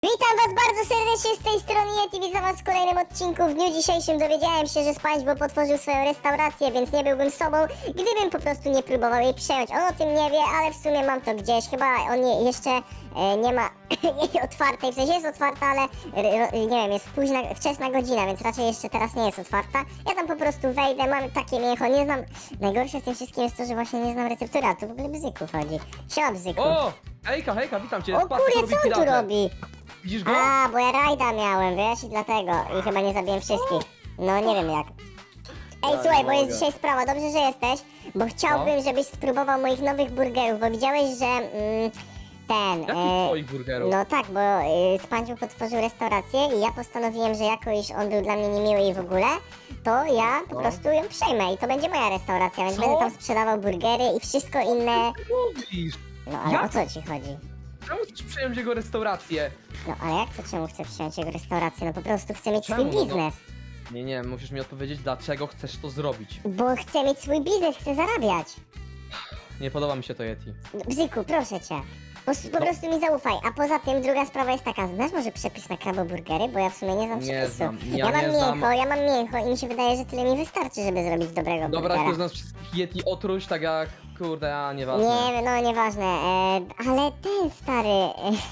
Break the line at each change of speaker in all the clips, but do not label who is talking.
Witam was bardzo serdecznie z tej strony Yeti, witam was w kolejnym odcinku. W dniu dzisiejszym dowiedziałem się, że SpongeBob otworzył swoją restaurację, więc nie byłbym sobą, gdybym po prostu nie próbował jej przejąć. On o tym nie wie, ale w sumie mam to gdzieś, chyba on jeszcze nie ma jej otwartej, w sensie jest otwarta, ale nie wiem, jest wczesna godzina, więc raczej jeszcze teraz nie jest otwarta. Ja tam po prostu wejdę, mam takie mięcho, nie znam, najgorsze w tym wszystkim jest to, że właśnie nie znam receptury, a tu w ogóle Bzyku chodzi. Siema Bzyku.
O! Hejka, witam cię.
O kurde, co on tu robi?
Widzisz go?
A, bo ja rajda miałem, wiesz, i dlatego. I chyba nie zabiłem wszystkich. No, nie wiem jak. Ej,
Ja
słuchaj,
nie
bo jest
mogę.
dzisiaj sprawa, dobrze, że jesteś, bo chciałbym, żebyś spróbował moich nowych burgerów, bo widziałeś, że
Jakich twoich burgerów?
no tak, bo SpongeBob otworzył restaurację i ja postanowiłem, że jako iż on był dla mnie niemiły i w ogóle, to ja po
No.
prostu ją przejmę i to będzie moja restauracja, więc
Co?
będę tam sprzedawał burgery i wszystko inne.
Mówisz?
No, ale
Jak?
o co ci chodzi?
Czemu chcesz przejąć jego restaurację?
No, ale jak to czemu chcę przyjąć jego restaurację? No po prostu chcę mieć swój
Czemu? No,
biznes.
Nie, musisz mi odpowiedzieć, dlaczego chcesz to zrobić.
Bo chcę mieć swój biznes, chcę zarabiać.
Nie podoba mi się to Yeti.
Bzyku, proszę cię. Po prostu mi zaufaj. A poza tym druga sprawa jest taka, znasz może przepis na kraboburgery? Bo ja w sumie nie znam
Nie
przepisu.
znam,
Ja
ja
mam
nie znam.
mięcho, ja mam mięcho i mi się wydaje, że tyle mi wystarczy, żeby zrobić dobrego
Dobra,
burgera.
jak z nas wszystkich Yeti otruć, tak jak, kurde, a nieważne.
Nie, no nieważne, ale ten stary...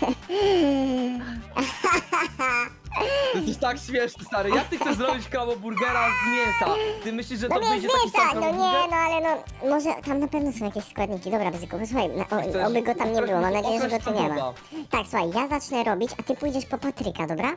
Ty jesteś tak śmieszny, stary. Jak ty chcesz zrobić kraboburgera z mięsa? Ty myślisz, że
No
to
nie z
wyjdzie taki
mięsa,
sam
no nie,
kraboburger?
no ale no, może tam na pewno są jakieś składniki. Dobra, Bzyku, posłuchaj,
Chcesz-
oby go tam nie było, mam nadzieję, że go tu nie ma.
SpongeBoba.
Tak, słuchaj, ja zacznę robić, a ty pójdziesz po Patryka, dobra?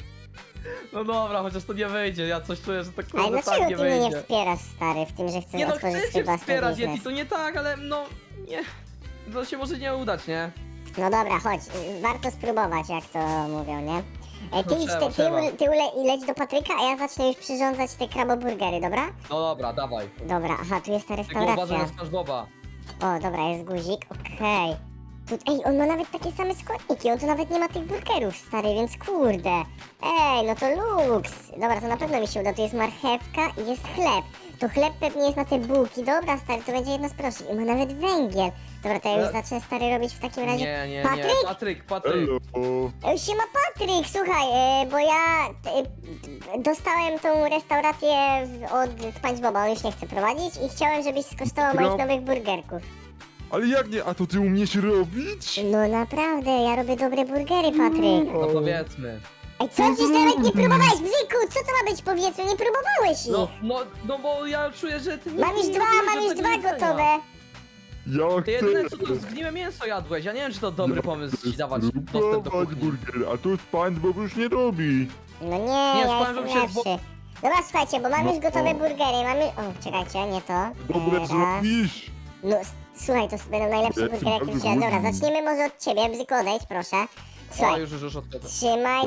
No dobra, chociaż to nie wyjdzie, ja coś czuję, że to kurde
Ale
tak
dlaczego
nie
ty mnie nie
wyjdzie.
wspierasz, stary, w tym, że chcesz
Nie no,
otworzyć
chcę
swój
się
własny
wspierać
biznes?
Yeti, to nie tak, ale no, nie. To się może nie udać, nie?
No dobra, chodź, warto spróbować, jak to mówią, nie? Ty
No
idź,
trzeba.
i leć do Patryka, a ja zacznę już przyrządzać te kraboburgery, dobra?
No dobra, dawaj.
Dobra, aha, tu jest ta
Tylko uważaj
restauracja.
na SpongeBoba.
O, dobra, jest guzik, okej. Ej, on ma nawet takie same składniki, on tu nawet nie ma tych burgerów, stary, więc kurde. Ej, no to luks. Dobra, to na pewno mi się uda, tu jest marchewka i jest chleb. To chleb pewnie jest na te bułki, dobra, stary, to będzie jedno z prostszych. I ma nawet węgiel. Dobra, to ja już zacznę, stary, robić w takim razie...
Nie.
Patryk?
Patryk.
Hello.
Siema Patryk, słuchaj, bo ja dostałem tą restaurację od SpongeBoba, on już nie chce prowadzić i chciałem, żebyś skosztował moich nowych burgerków.
Ale jak nie? A to ty umiesz robić?
No naprawdę, ja robię dobre burgery, Patryk.
No powiedzmy.
Ej, co dziś nawet nie próbowałeś, Bzyku? Co to ma być, powiedzmy, nie próbowałeś ich.
No bo ja czuję, że ty
Mam już
nie
dwa,
robisz
mam już
tego
dwa
jedzenia.
gotowe.
Ja
Ty jedyne co
chcę
to zgniłe mięso jadłeś, ja nie wiem czy to dobry pomysł ci dawać dostęp do
spróbować
kuchni.
burgery, a to SpongeBob już nie robi.
No nie,
Nie,
ja
SpongeBob
jestem
się
lepszy. Dobra, słuchajcie, bo mam
No
już gotowe
o.
burgery, mamy... O, czekajcie, nie to.
Dobre
Raz.
zrobisz.
No, słuchaj, to będą najlepsze
Ja
burgery, jakie
jestem
widziałem. Dobra,
bardzo
zaczniemy może od ciebie, Bzyku, odejdź, proszę.
O,
Słuchaj,
już odchodzę.
trzymaj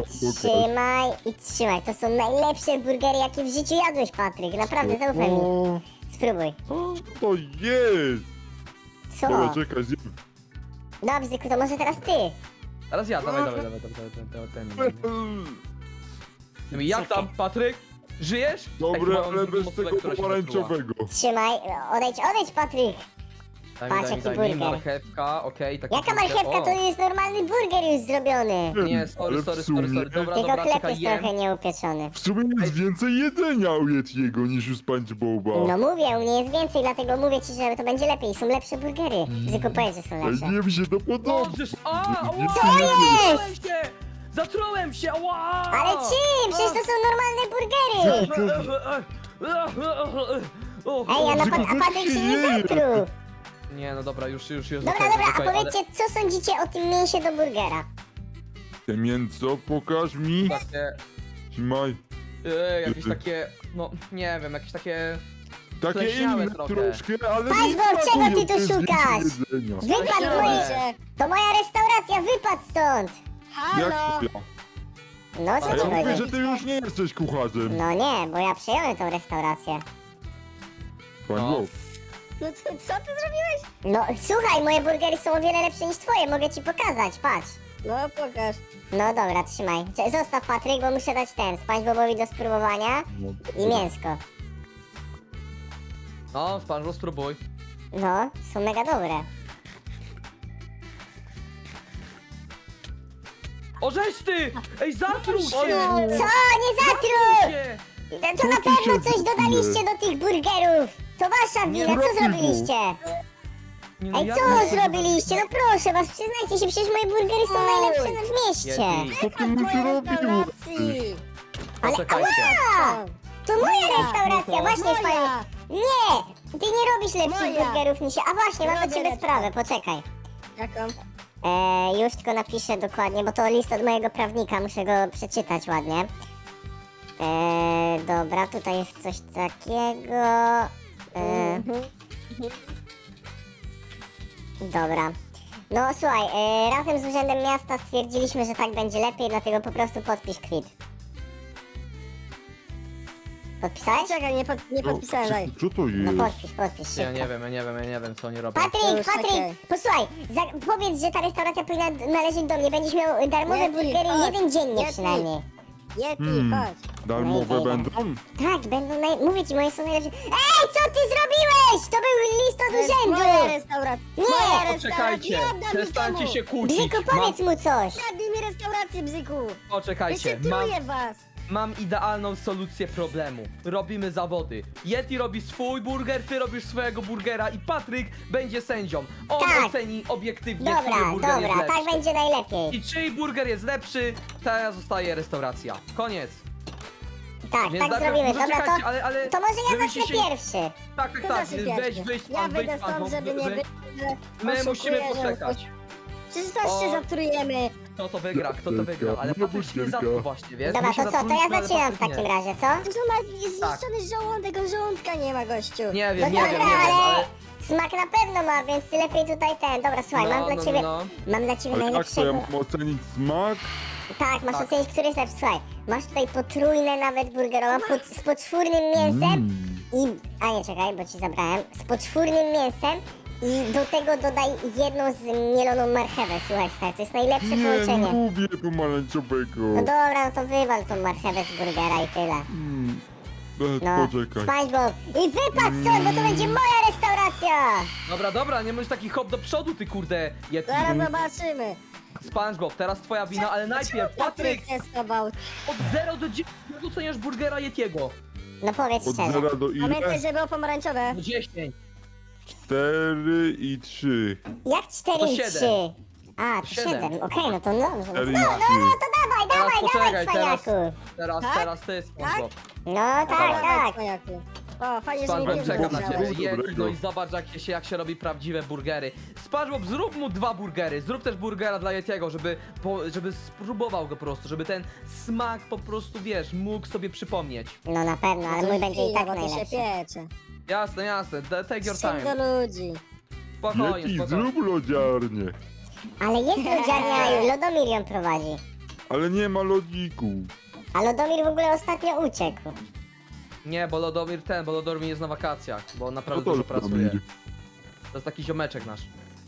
i trzymaj. To są najlepsze burgery, jakie w życiu jadłeś, Patryk. Naprawdę, zaufaj mi.
O,
Spróbuj.
co to jest?
Co?
Dobra, czekaj, zjem.
No, Bzyku, to może teraz ty.
Teraz ja, dawaj. Jak tam, Patryk? Żyjesz?
Dobre,
Ej,
ale bez tego pomarańczowego.
Trzymaj, odejdź, Patryk. Patrz, jaki
Daj mi
burger.
marchewka, okej, taki
Jaka
burger.
marchewka,
O.
to jest normalny burger już zrobiony.
Nie, sorry,
Ale w sumie-
dobra,
Tylko chleb
czekaj,
jest
jem.
trochę nieupieczony.
W sumie jest więcej jedzenia u Yetiego niż u SpongeBoba.
No mówię, u mnie jest więcej, dlatego mówię ci, że to będzie lepiej. Są lepsze burgery. Bzyku, powiedz, że są
Ej,
lepsze.
nie mi się to podoba.
Możesz,
Co jest?
Zatrułem się, ała!
Ale czym? Przecież to są normalne burgery. Ej, a Patryk się nie zatruł.
Nie, no dobra, już
Dobra,
okej,
dobra, a
okej, ale
powiedzcie, co sądzicie o tym mięsie do burgera?
Te mięso, pokaż mi.
takie,
Trzymaj.
jakieś takie, no nie wiem, jakieś takie...
Takie
Pleśniałe
inne
trochę.
troszkę, ale nie
SpongeBob, czego ty tu
smakują, to jest
szukasz?
więcej jedzenia.
Wypadł z mojej... To moja restauracja, wypadł stąd.
Jak to ja?
No, co
A
ci
ja mówię,
chodzi?
że ty już nie jesteś kucharzem.
No nie, bo ja przejąłem tą restaurację.
SpongeBob.
No co ty zrobiłeś?
No, słuchaj, moje burgery są o wiele lepsze niż twoje, mogę ci pokazać, patrz.
No pokaż.
No dobra, trzymaj. Zostaw, Patryk, bo muszę dać ten, SpongeBobowi do spróbowania i mięsko.
No, SpongeBob, spróbuj.
No, są mega dobre.
O, żeś ty! Ej, zatruł się!
Co? Nie zatruł!
Nie.
To na
Co ty
pewno
się
coś dodaliście do tych burgerów! To wasza wina, co
robił.
zrobiliście?
Nie, no
Ej,
ja
co
bym-
zrobiliście? No proszę was, przyznajcie się, przecież moje burgery są najlepsze w mieście!
Yeti,
Co ty
W
mu
mojej
zrobił?
restauracji.
Ale
Poczekajcie.
ała! To moja restauracja, właśnie
Moja.
panie! Nie! Ty nie robisz lepszych
Moja.
burgerów niż ja. A właśnie, mam do
Robię
ciebie
lepsze.
sprawę, poczekaj.
Jaką?
Już tylko napiszę dokładnie, bo to list od mojego prawnika, muszę go przeczytać ładnie. Dobra, tutaj jest coś takiego. Dobra. No słuchaj, razem z Urzędem Miasta stwierdziliśmy, że tak będzie lepiej, dlatego po prostu podpisz kwit. Podpisałeś?
Czekaj, nie podpisałem, daj.
Co to
No
jest?
podpisz
Ja
szybko.
nie wiem co oni robią.
Patryk,
Czekaj.
posłuchaj, powiedz, że ta restauracja powinna należeć do mnie. Będziesz miał darmowe
Yeti,
burgery
chodź.
jeden dziennie
Yeti.
przynajmniej.
Yeti, chodź.
Darmowe
No i
będą?
Tak, będą mówię ci, moje są najlepsze. Ej, co ty zrobiłeś? To był list
To
od
jest
urzędu!
moja restauracja.
Nie!
Moja
Poczekajcie,
restauracja. Nie oddam
przestańcie
nikomu.
się kłócić.
Bzyku, powiedz mu coś!
Kradnij mi restaurację, bzyku.
Poczekajcie, mam,
Wyświetluję was.
mam idealną solucję problemu. Robimy zawody. Yeti robi swój burger, ty robisz swojego burgera i Patryk będzie sędzią. On
Tak.
oceni obiektywnie,
Dobra,
który burger jest
dobra,
lepszy.
tak będzie najlepiej.
I czyj burger jest lepszy, ta zostaje restauracja. Koniec.
Tak,
Więc
tak
najpierw
zrobimy.
może
Dobra,
czekajcie,
to,
ale
to może ja
żebyście
zacznę
się-
pierwszy.
Tak,
To
tak,
znaczy
weź,
pierwszy.
weź
Ja
pan,
wyjdę
weź pan,
stąd,
bo
żeby nie
my,
być.
my musimy poczekać.
Przecież też się
O.
zatrujemy.
Kto to wygra, ale
No,
Patryk się nie
butelka.
zatruł właśnie, wiesz?
Dobra,
My się
to co, to ja
zatrudniliśmy, ale
zaczynam w
Patryk
takim
nie.
razie, co?
To ma zniszczony żołądek, on żołądka nie ma, gościu.
Nie
No
wiem,
dobra,
ale...
ale smak na pewno ma, więc ty lepiej tutaj ten. Dobra, słuchaj, mam dla ciebie, mam dla ciebie
Ale jak to
najlepszego.
ja mam ocenić smak?
Tak, masz
Tak.
ocenić, który jest lepszy. Słuchaj, masz tutaj potrójne nawet burgerowe z poczwórnym mięsem i... A nie, czekaj, bo ci zabrałem. Z poczwórnym mięsem i do tego dodaj jedną zmieloną marchewę. Słuchaj, stary, to jest najlepsze
Nie
połączenie.
lubię pomarańczowego.
No dobra, no to wywal tą marchewę z burgera i tyle. No,
Poczekaj.
SpongeBob. I wypadł stąd, bo to będzie moja restauracja!
Dobra, nie możesz taki hop do przodu, ty kurde, Yeti.
Zaraz zobaczymy.
SpongeBob, teraz twoja wina, ale najpierw, Patryk,
testował.
od 0 do 10 oceniasz burgera Yetiego.
No powiedz
Od
szczerze.
0 do ile?
Pamiętaj, że było pomarańczowe.
Do 10.
4 i 3.
Jak 4
To
i
7.
3? A, to 7.
Siedem.
Okej, no to dobrze.
4 i
No,
3.
to dawaj,
Teraz
dawaj,
poczekaj,
cwaniaku.
Teraz
Tak?
ty, SpongeBob.
No tak.
Cwaniaku. O, fajnie, że
SpongeBob
mnie
czeka na
wziąłeś.
ciebie,
Dobrego.
Yeti, no i zobacz jak się robi prawdziwe burgery. SpongeBob, zrób mu 2 burgery, zrób też burgera dla Yetiego, żeby spróbował go po prostu, żeby ten smak po prostu, wiesz, mógł sobie przypomnieć.
No na pewno, ale
To
mój będzie i
chwila,
tak
bo to się
najlepszy.
piecze.
Jasne, take your
Wsiądź
time.
do ludzi.
Spokojnie,
Jaki
spokojnie.
zrób lodziarnię.
Ale jest lodziarnia, Lodomir ją prowadzi.
Ale nie ma lodziku.
A Lodomir w ogóle ostatnio uciekł.
Nie, bo Lodomir jest na wakacjach, bo on
No
naprawdę
to
dużo pracuje.
Lodomir.
To jest taki ziomeczek nasz.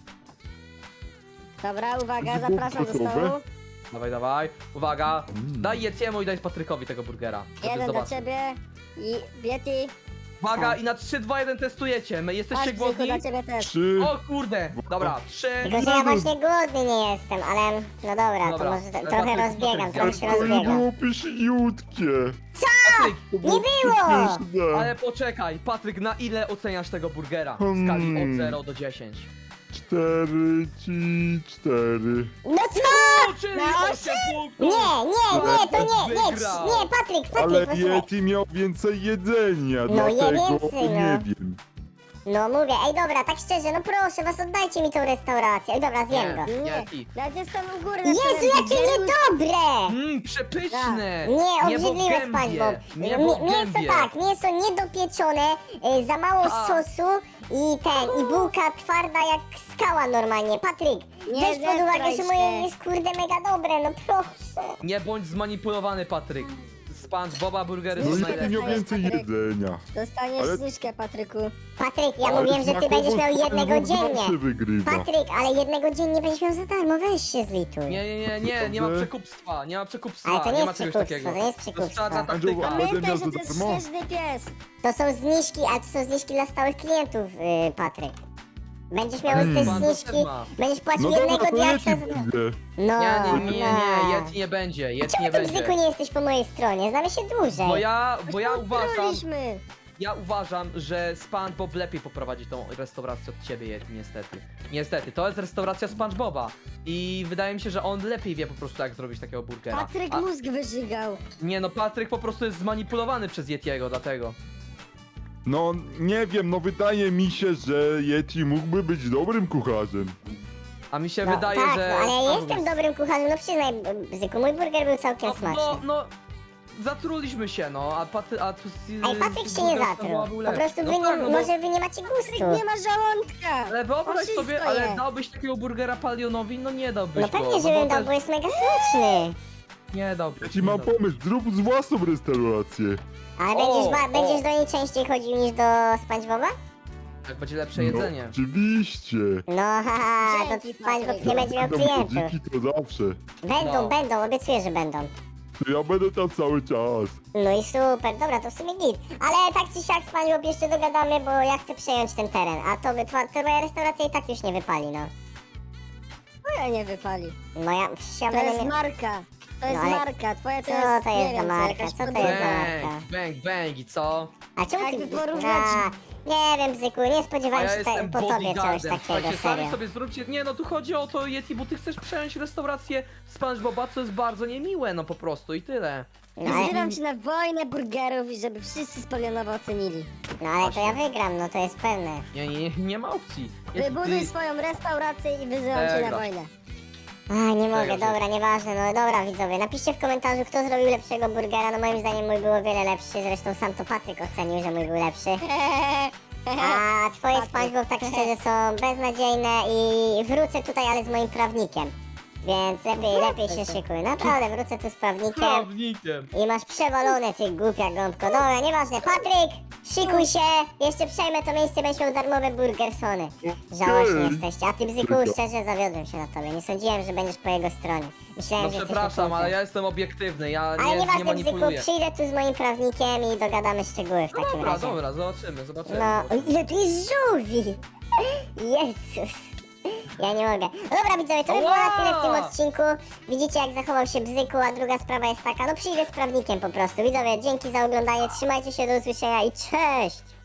Dobra, uwaga,
To było
zapraszam do
gotowe?
stołu.
Dawaj, uwaga. Daj Yetiemu i daj Patrykowi tego burgera. żeby
Jeden do
zobaczył.
ciebie i Yeti.
Uwaga, i na 3, 2, 1 testujecie. My jesteście
Patrz, Bzyku,
głodni?
dla ciebie też.
3.
O kurde! Dobra, 3.
Tylko, że ja właśnie głodny nie jestem, ale no dobra, to
Dobra,
może
ale
trochę
Patryk,
rozbiegam,
Patryk,
trochę się
To nie
rozbiegam.
było pyszniutkie.
Patryk,
To
Nie było!
śmieszne.
ale poczekaj, Patryk, na ile oceniasz tego burgera? W skali od 0 do 10.
4 ci 4.
No co?
O, czyli
Na
8 punktów!
Nie, to nie,
Wygrał.
nie, Patryk,
Ale
posłuchaj.
Yeti miał więcej jedzenia,
No, je
dlatego
więcej,
nie
no.
wiem.
No mówię, ej dobra, tak szczerze, no proszę was, oddajcie mi tą restaurację. Ej dobra, zjem go.
Nie,
Nie,
Yeti.
nawet jest tam u góry.
Jezu, jakie niedobre!
Przepyszne!
Nie,
Niebo w
obrzydliwe
gębie,
SpongeBob.
niebo w
Mięso
gębie.
tak, mięso niedopieczone, za mało
A.
sosu i bułka twarda jak skała normalnie. Patryk,
Nie
weź pod uwagę, że
zetraj
moje
się.
jest kurde mega dobre, no proszę.
Nie bądź zmanipulowany, Patryk. SpongeBoba burgery
No
są
Yeti
najlepsze.
miał więcej jedzenia.
Dostaniesz
Ale-
zniżkę, Patryku.
Patryk, ja
Ale
mówiłem, że ty
smakowo
będziesz miał jednego
SpongeBob zawsze
dziennie.
wygrywa.
Patryk, ale jednego dziennie będziesz miał za darmo, weź się zlituj.
Nie ma
Dobrze.
przekupstwa, nie ma przekupstwa,
Ale to nie
nie ma
jest
czegoś
przekupstwo,
takiego.
to nie jest
To jest
przekupstwo.
czarna taktyka.
Andrzej,
Pamiętaj,
miał
że
za
to jest
darmo?
śnieżny pies.
To są zniżki, ale to są zniżki dla stałych klientów, Patryk. Będziesz miał
Ale
te
pan to
zniżki,
też ma.
będziesz płacił
No dobra,
jednego
to
diaksa
Yeti
za...
pójdę.
No,
Nie, Yeti nie będzie, Yeti
Czemu
nie
ty,
będzie.
Bzyku, nie jesteś po mojej stronie? Znamy się dłużej.
Bo
Trolliśmy.
ja uważam, że SpongeBob lepiej poprowadzi tą restaurację od ciebie, Yeti, niestety. Niestety, to jest restauracja SpongeBoba i wydaje mi się, że on lepiej wie po prostu jak zrobić takiego burgera.
Patryk mózg wyżygał.
Nie no, Patryk po prostu jest zmanipulowany przez Yetiego, dlatego.
No nie wiem, no wydaje mi się, że Yeti mógłby być dobrym kucharzem.
A mi się
No,
wydaje,
tak,
że...
no, ale ja
SpongeBob
jestem
jest-
dobrym kucharzem, no przyznaj, Bzyku, mój burger był całkiem smaczny.
No, zatruliśmy się, no, a
Ej, Patryk się nie zatruł. Po prostu wy
tak,
nie,
bo-
może wy nie macie gustu.
Patryk nie ma żołądka.
Ale wyobraź
On
sobie,
wszystko
ale
je.
dałbyś takiego burgera Palionowi? No nie dałbyś
No
go.
pewnie, że
bo
bym dał,
też-
bo jest mega smaczny.
Nie dałbyś.
Ja ci
nie
mam
dałbyś.
pomysł, zrób z własną restaurację.
Ale
O,
będziesz do niej częściej chodził niż do SpongeBoba?
Tak będzie lepsze jedzenie.
No, oczywiście.
No haha, to
Dzięki,
SpongeBob
Patryk.
nie będzie miał
Będą
klientów.
dziki to zawsze.
Będą,
No.
obiecuję, że będą.
Ja będę tam cały czas.
No i super, dobra, to w sumie git. Ale tak czy siak, SpongeBob, jeszcze dogadamy, bo ja chcę przejąć ten teren. A twoja restauracja i tak już nie wypali, no.
Twoja nie wypali.
No ja, przecież ja
To
będę
jest
miał...
marka. To jest
ale-
marka. Twoja to
Co
jest,
to
nie
jest za
wiem,
marka?
jakaś
Co to jest
podróba.
za marka?
Bang i co?
A czemu ty...
Jakby porównać-
Nie wiem, Bzyku, nie
A
spodziewałem
ja
się
jestem
po tobie czegoś
bodyguardem.
takiego,
Słuchajcie, sami
serio.
sobie zróbcie... Nie no, tu chodzi o to, Yeti, bo ty chcesz przejąć restaurację SpongeBoba, co jest bardzo niemiłe, no po prostu i tyle.
No ale,
Zbieram się na wojnę burgerów i żeby wszyscy spalionowo ocenili.
no ale to ja wygram, no to jest pewne.
Nie ma opcji. Yeti,
Wybuduj swoją restaurację i wyzywam cię na
Dobra.
wojnę.
A, nie mogę,
Czego,
dobra, nieważne, no dobra widzowie, napiszcie w komentarzu, kto zrobił lepszego burgera, no moim zdaniem mój był o wiele lepszy, zresztą sam to Patryk ocenił, że mój był lepszy. A twoje
Patryk.
SpongeBob tak szczerze są beznadziejne i wrócę tutaj, ale z moim prawnikiem. Więc lepiej się szykuj, naprawdę wrócę tu z prawnikiem.
Prawnikiem.
I masz przewalone, ty głupia gąbko. Dobra, nieważne. Patryk, szykuj się. Jeszcze przejmę to miejsce, będziesz miał darmowe burgersony. Żałośni jesteście. A ty, Bzyku, szczerze zawiodłem się na tobie. Nie sądziłem, że będziesz po jego stronie. Myślałem,
No
że jesteś
przepraszam,
okrutny.
ale ja jestem obiektywny, ja
Ale
nie
nieważne, Bzyku,
manipuluję.
przyjdę tu z moim prawnikiem i dogadamy szczegóły w
No
takim
dobra,
razie.
dobra, zobaczymy.
No, o ile tu jest żółwi! Jezus! Ja nie mogę. No dobra widzowie, to by było na tyle w tym odcinku. Widzicie jak zachował się Bzyku, a druga sprawa jest taka, no przyjdę z prawnikiem po prostu. Widzowie, dzięki za oglądanie, trzymajcie się, do usłyszenia i cześć!